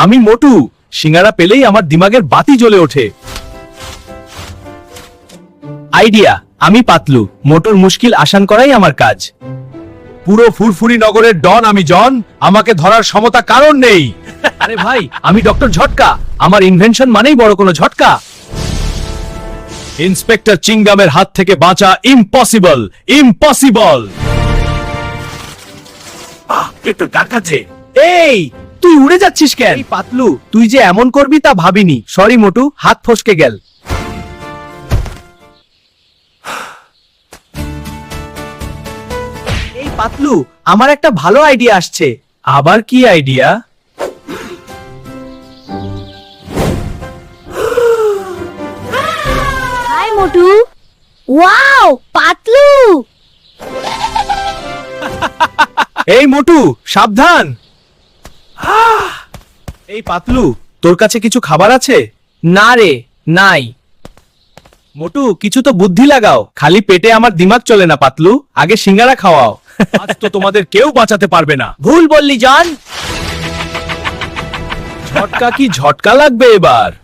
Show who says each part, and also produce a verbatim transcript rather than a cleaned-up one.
Speaker 1: আমি মোটু, সিঙ্গারা পেলেই আমার দিমাগের বাতি জ্বলে ওঠে। আইডিয়া, আমি পাতলু, মোটুর মুশকিল আসান করাই আমার কাজ। পুরো ফুরফুরি নগরের ডন আমি জন, আমাকে ধরার ক্ষমতা কারণ নেই। আরে ভাই, আমি ডক্টর ঝটকা, আমার ইনভেনশন মানেই বড় কোনো ঝটকা। ইন্সপেক্টর চিংগামের হাত থেকে বাঁচা ইম্পসিবল, ইম্পসিবল। আহ, একটু ডাকাছে। এই, তুই উড়ে যাচ্ছিস কেন? এই পাতলু, তুই যে এমন করবি তা ভাবিনি। সরি মোটু, হাত ফসকে গেল। এই পাতলু, আমার একটা ভালো আইডিয়া আসছে। আবার কি idea?
Speaker 2: Hi Motu. Wow, Patlu.
Speaker 1: এই মোটু, সাবধান। আহ! এই পাতলু, তোর কাছে কিছু খাবার আছে? না রে, নাই। মোটু, কিছু তো বুদ্ধি লাগাও। খালি পেটে আমার দিমাগ চলে না পাতলু, আগে সিঙ্গারা খাওয়াও। আজ তো তোমাদের কেউ বাঁচাতে পারবে না। ভুল বললি জন। ঝটকা কি ঝটকা লাগবে এবার।